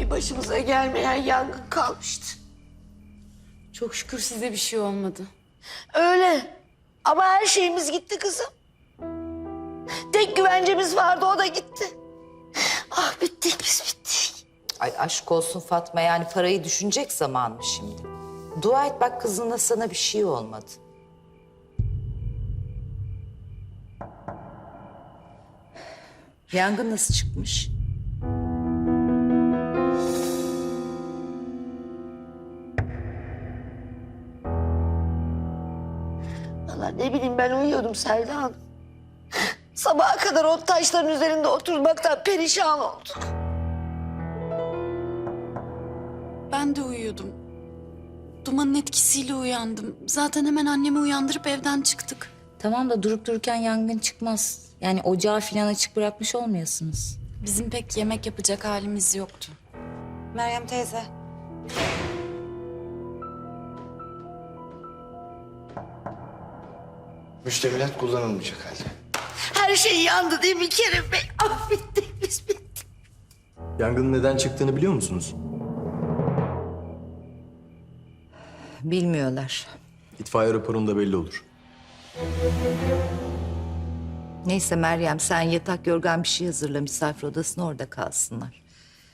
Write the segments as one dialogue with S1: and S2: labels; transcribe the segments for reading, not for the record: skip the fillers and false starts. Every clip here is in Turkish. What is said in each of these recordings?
S1: bir başımıza gelmeyen yangın kalmıştı.
S2: Çok şükür size bir şey olmadı.
S1: Öyle. Ama her şeyimiz gitti kızım. Tek güvencemiz vardı, o da gitti. Ah, bittik biz, bittik.
S3: Ay aşk olsun Fatma, yani parayı düşünecek zaman mı şimdi? Dua et bak, kızınla sana bir şey olmadı. Yangın nasıl çıkmış?
S1: Vallahi ne bileyim, ben uyuyordum Selda Hanım. Sabaha kadar o taşların üzerinde oturmaktan perişan olduk.
S2: Ben de uyuyordum. Dumanın etkisiyle uyandım. Zaten hemen annemi uyandırıp evden çıktık.
S4: Tamam da durup dururken yangın çıkmaz. Yani ocağı falan açık bırakmış olmayasınız.
S2: Bizim pek yemek yapacak halimiz yoktu.
S5: Meryem teyze.
S6: Müştemilat kullanılmayacak halde.
S1: Her şey yandı değil mi Kerim Bey? Ah, bittik biz, bittik.
S7: Yangının neden çıktığını biliyor musunuz?
S3: Bilmiyorlar.
S7: İtfaiye raporunda belli olur.
S3: Neyse Meryem, sen yatak yorgan bir şey hazırla, misafir odasına, orada kalsınlar.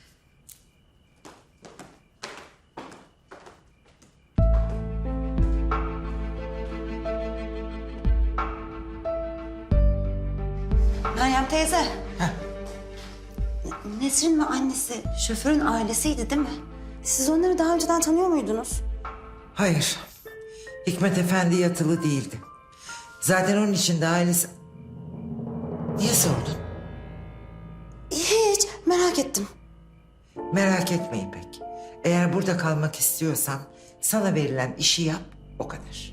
S5: Meryem teyze. Nesrin ve annesi şoförün ailesiydi değil mi? Siz onları daha önceden tanıyor muydunuz?
S8: Hayır. Hikmet Efendi yatılı değildi. Zaten onun için de ailesi... Niye sordun?
S5: Hiç, merak ettim.
S8: Merak etme İpek. Eğer burada kalmak istiyorsan sana verilen işi yap, o kadar.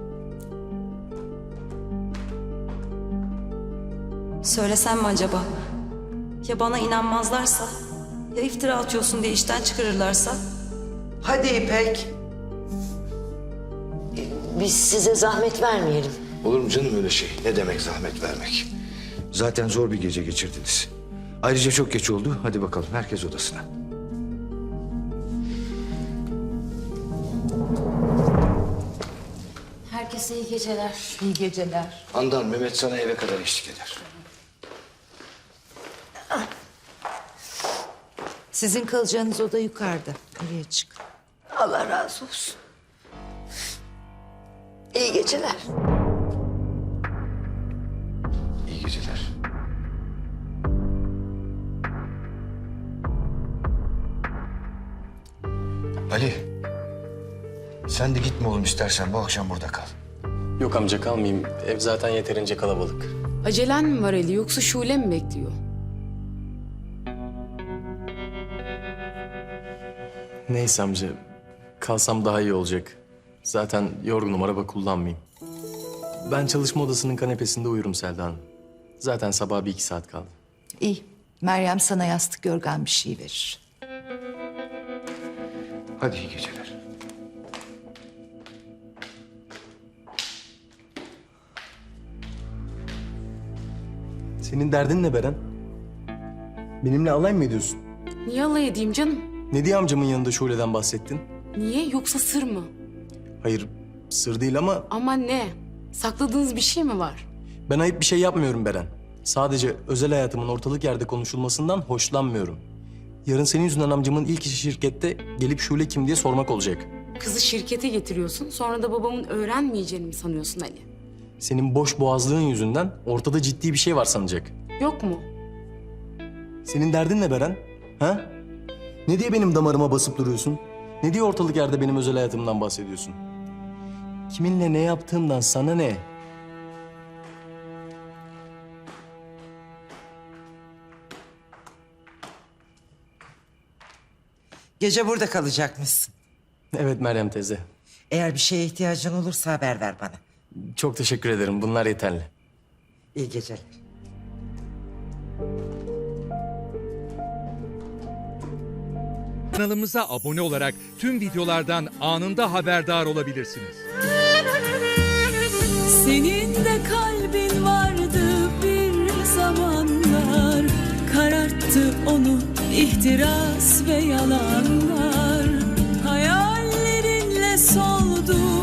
S5: Söylesem mi acaba? Ya bana inanmazlarsa? Ya iftira atıyorsun diye işten çıkarırlarsa?
S8: Hadi İpek.
S1: Biz size zahmet vermeyelim.
S6: Olur mu canım öyle şey? Ne demek zahmet vermek? Zaten zor bir gece geçirdiniz. Ayrıca çok geç oldu. Hadi bakalım, herkes odasına.
S4: Herkese iyi geceler.
S3: İyi geceler.
S6: Handan, Mehmet sana eve kadar eşlik eder.
S3: Sizin kalacağınız oda yukarıda. Oraya çık.
S1: Allah razı olsun. İyi geceler.
S6: İyi geceler. Ali, sen de gitme oğlum, istersen bu akşam burada kal.
S7: Yok amca, kalmayayım. Ev zaten yeterince kalabalık.
S2: Acelen mi var Ali, yoksa Şule mi bekliyor?
S7: Neyse amca, kalsam daha iyi olacak. Zaten yorgunum, araba kullanmayayım. Ben çalışma odasının kanepesinde uyurum Selda Hanım. Zaten sabah 1-2 saat kaldı.
S3: İyi. Meryem sana yastık yorgan bir şey verir.
S6: Hadi iyi geceler.
S7: Senin derdin ne Beren? Benimle alay mı ediyorsun?
S2: Niye alay edeyim canım?
S7: Ne diye amcamın yanında Şule'den bahsettin?
S2: Niye, yoksa sır mı?
S7: Hayır, sır değil ama
S2: Ama ne? Sakladığınız bir şey mi var?
S7: ben ayıp bir şey yapmıyorum Beren. Sadece özel hayatımın ortalık yerde konuşulmasından hoşlanmıyorum. Yarın senin yüzünden amcamın ilk işi şirkette gelip Şule kim diye sormak olacak.
S2: Kızı şirkete getiriyorsun, sonra da babamın öğrenmeyeceğini mi sanıyorsun Ali?
S7: Senin boş boğazlığın yüzünden ortada ciddi bir şey var sanacak.
S2: Yok mu?
S7: Senin derdin ne Beren? Ha? Ne diye benim damarıma basıp duruyorsun? Ne diye ortalık yerde benim özel hayatımdan bahsediyorsun? Kiminle ne yaptığımdan sana ne?
S8: Gece burada kalacakmışsın.
S7: Evet Meryem teyze.
S8: Eğer bir şeye ihtiyacın olursa haber ver bana.
S7: Çok teşekkür ederim. Bunlar yeterli.
S8: İyi geceler.
S9: Kanalımıza abone olarak tüm videolardan anında haberdar olabilirsiniz.
S10: Senin de kalbin vardı bir zamanlar, kararttı onu ihtiras ve yalanlar hayallerinle soldu.